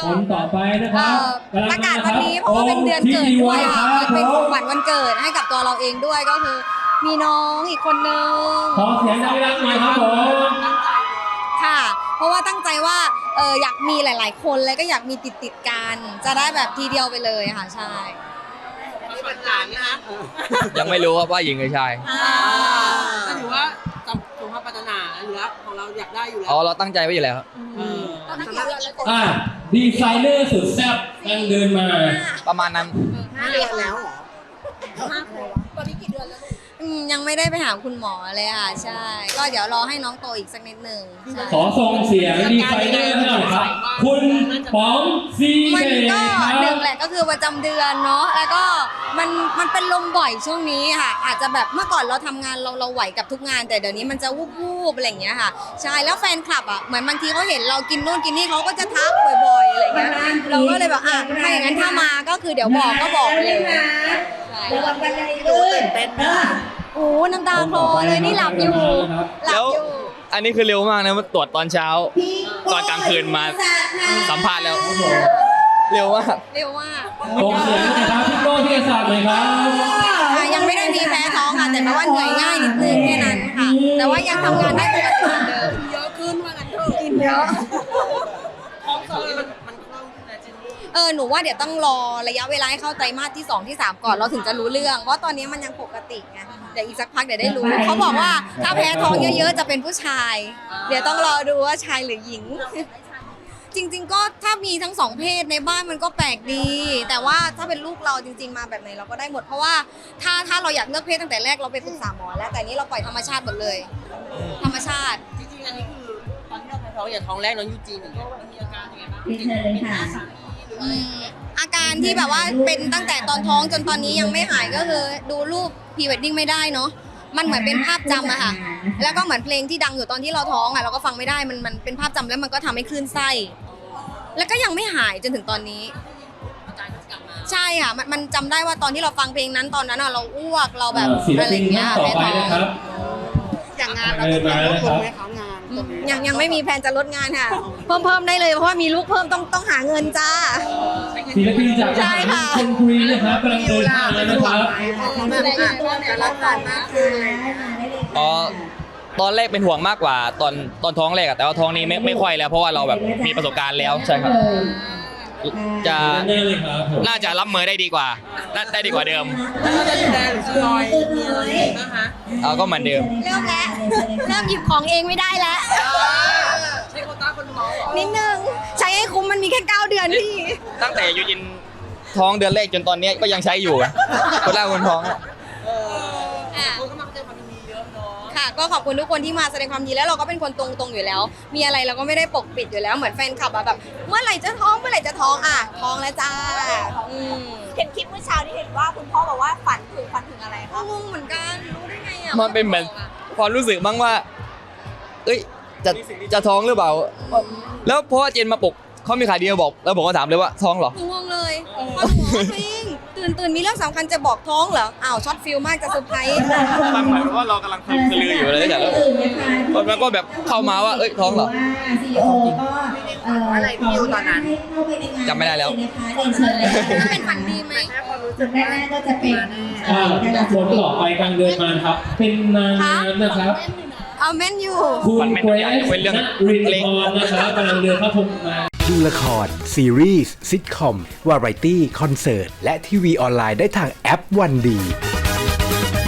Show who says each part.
Speaker 1: คนต่อไปนะครับ
Speaker 2: ประกาศวันนี้เพราะว่าเป็นเดือนเกิดด้วยค่ะเป็นของขวัญวันเกิดให้กับตัวเราเองด้วยก็คือมีน้องอีกคนนึง
Speaker 1: ขอเสียงดังๆหน่อยครับผม
Speaker 2: ค่ะเพราะว่าตั้งใจว่าอยากมีหลายๆคนเลยก็อยากมีติดกันจะได้แบบทีเดียวไปเลยค่ะใช่
Speaker 3: มีปัญหาไหมคะ
Speaker 4: ยังไม่รู้ว่าหญิงหรือชาย
Speaker 3: ก็ถือว่าสมภาพปรารถนาหรือของเราอยากได้อยู่แล้ว
Speaker 4: เราตั้งใจไว้อยู่แล้วครับ
Speaker 1: ดีไซเนอร์สุดแซ่บยังเดินมา
Speaker 4: ประมาณนั้น
Speaker 3: 5 เดือนแล้วเหรอ
Speaker 2: ตอนนี้กี่เดือนแล้วยังไม่ได้ไปหาคุณหมอเลยค่ะใช่ก็เดี๋ยวรอให้น้องโตอีกสักนิดหนึ่ง
Speaker 1: ขอส่งเสียงดีไซเนอร์ให้หน่อยครับคุณป๋องซี
Speaker 2: มันก็หนึ่งแหละก็คือประจำเดือนเนาะแล้วก็มันเป็นลมบ่อยช่วงนี้ค่ะอาจจะแบบเมื่อก่อนเราทำงานเราไหวกับทุกงานแต่เดี๋ยวนี้มันจะวูบๆอะไรอย่างเงี้ยค่ะใช่แล้วแฟนคลับอ่ะเหมือนบางทีเขาเห็นเรากินนู่นกินนี่เขาก็จะทักบ่อยๆอะไรอย่างเงี้ยเราก็เลยแบบถ้าอย่างนั้นถ้ามาก็คือเดี๋ยวบอกก็บอกเลย
Speaker 3: ระวังกันเลยตื่นเต้นมาก
Speaker 2: โอ้น้ำตาคลอเลยนี่หลับอยู่
Speaker 4: แล้วอันนี้คือเร็วมากนะมาตรวจตอนเช้าตอนกลางคืนมาสัมภาษณ์แล้วเร็วมาก
Speaker 1: ส่งเสียงนะครับพี่โก้ที่ศาสตร์เลยครับ
Speaker 2: ยังไม่ได้มีแพ้ท้องค่ะแต่ว่าเหนื่อยง่ายนิดนึงแค่นั้นค่ะแต่ว่ายังทำงานได้ปกติเหมือนเดิม
Speaker 3: เยอะขึ้นว่างั้นเถอะ
Speaker 2: กินเยอะ
Speaker 3: ท้องมันคล่องขึ้นนะเจนนี่
Speaker 2: หนูว่าเดี๋ยวต้องรอระยะเวลาให้เข้าไตรมาสที่2ที่3ก่อนเราถึงจะรู้เรื่องเพราะตอนนี้มันยังปกติไงเดี๋ยวอีกสักพักเดี๋ยวได้รู้เขาบอกว่าถ้าแพ้ท้องเยอะๆจะเป็นผู้ชายเดี๋ยวต้องรอดูว่าชายหรือหญิงจริงๆก็ถ้ามีทั้ง2เพศในบ้านมันก็แปลกดีแต่ว่าถ้าเป็นลูกเราจริงๆมาแบบไหนเราก็ได้หมดเพราะว่าถ้าเราอยากเลือกเพศตั้งแต่แรกเราไปปรึกษาหมอแล้วแต่นี้เราปล่อยธรรมชาติหมดเลยธรรมชาติ
Speaker 3: จริงๆอันนี้คือตอนที่เราแพ้ท้องอย่างท้องแรกน้องยูจีนอย่างเงี้ยมันมีอาการยังไงบ้าง
Speaker 2: อาการที่แบบว่าเป็นตั้งแต่ตอนท้องจนตอนนี้ยังไม่หายก็คือดูรูปพรีเวดดิ้งไม่ได้เนาะมันเหมือนเป็นภาพจำอะค่ะแล้วก็เหมือนเพลงที่ดังอยู่ตอนที่เราท้องอะเราก็ฟังไม่ได้มันเป็นภาพจำแล้วมันก็ทำให้คลื่นไส้แล้วก็ยังไม่หายจนถึงตอนนี้ใช่ค่ะมันจำได้ว่าตอนที่เราฟังเพลงนั้นตอนนั้นเราอ้วกเราแบบอะไรอย่างเงี้ย
Speaker 1: แพ้ท้อง
Speaker 3: อย่างงานเราจะลดลงไหมคะงาน
Speaker 2: ยังไม่มีแผนจะลดงานค่ะเพิ่มได้เลยเพราะว่ามีลูกเพิ่มต้องหาเงินจ้า
Speaker 1: ศิลปินจากชลบุรีนะครับกำลังเดินทางแล้วนะครับ
Speaker 4: ตอนแรกเป็นห่วงมากกว่าตอนท้องแรกแต่ว่าท้องนี้ไม่ค่อยแล้วเพราะว่าเราแบบมีประสบการณ์แล้วใช่ครับน่าจะรับมือได้ดีกว่าได้ดีกว่าเดิม
Speaker 3: แล้วจะดูแลหรือจะลอยมีอะไรนะคะ
Speaker 4: ก็เหมือนเดิม
Speaker 2: เริ่มหยิบของเองไม่ได้แล้ว
Speaker 3: ใช้โควต้าคนท้อง
Speaker 2: นิดนึงใช้ให้คุ้มมันมีแค่9 เดือนพี่
Speaker 4: ตั้งแต่ยูจินท้องเดือนแรกจนตอนนี้ก็ยังใช้อยู่คนแรกคนท้อง
Speaker 3: คนก็มาแสดงความยินดีเยอะเนาะ
Speaker 2: ค่ะก็ขอบคุณทุกคนที่มาแสดงความยินดีแล้วเราก็เป็นคนตรงอยู่แล้วมีอะไรเราก็ไม่ได้ปกปิดอยู่แล้วเหมือนแฟนคลับแบบเมื่อไหร่จะท้องท้องแล้วจ้า
Speaker 5: เห็นคลิปเมื่อเช้าที่เห็นว่าคุณพ่อบอกว่าฝันถึงอะไรคะ
Speaker 2: งงเหมือนกันรู้ได้ไง
Speaker 4: มันเป็นเหมือนความรู้สึกบ้างว่าจะท้องหรือเปล่าแล้วเพราะว่าเจนมาปลุกเขามีข่าวดีมาบอกแล้วผมก็ถามเลยว่าท้องเหร
Speaker 2: องงเลยพอหนูฟิงตื่นมีเรื่องสำคัญจะบอกท้องเหรอช็อตฟิลมากจะเซอร์ไพรส์
Speaker 4: มันหมายว่าเรากำลังคือลืออยู่เลยแต่แล้วก็แบบเข้ามาว่าท้องเหรอ
Speaker 3: อะไรที่อยู่ตอนนั้น
Speaker 4: จำไม่ได้แล้ว
Speaker 2: เป็นฝันดีไหม
Speaker 5: จุดแรกก็จะเป็น
Speaker 1: คนต่อไปกลางเดือนมาครับเป็นนางงามนะครับ
Speaker 2: เมนอยู่
Speaker 1: คุณเกรซรินทร์นะครับกำลังเดินเข้าพบมา
Speaker 6: ดูละครซีรีส์ซิทคอมวาไรตี้คอนเสิร์ตและทีวีออนไลน์ได้ทางแอปวันดี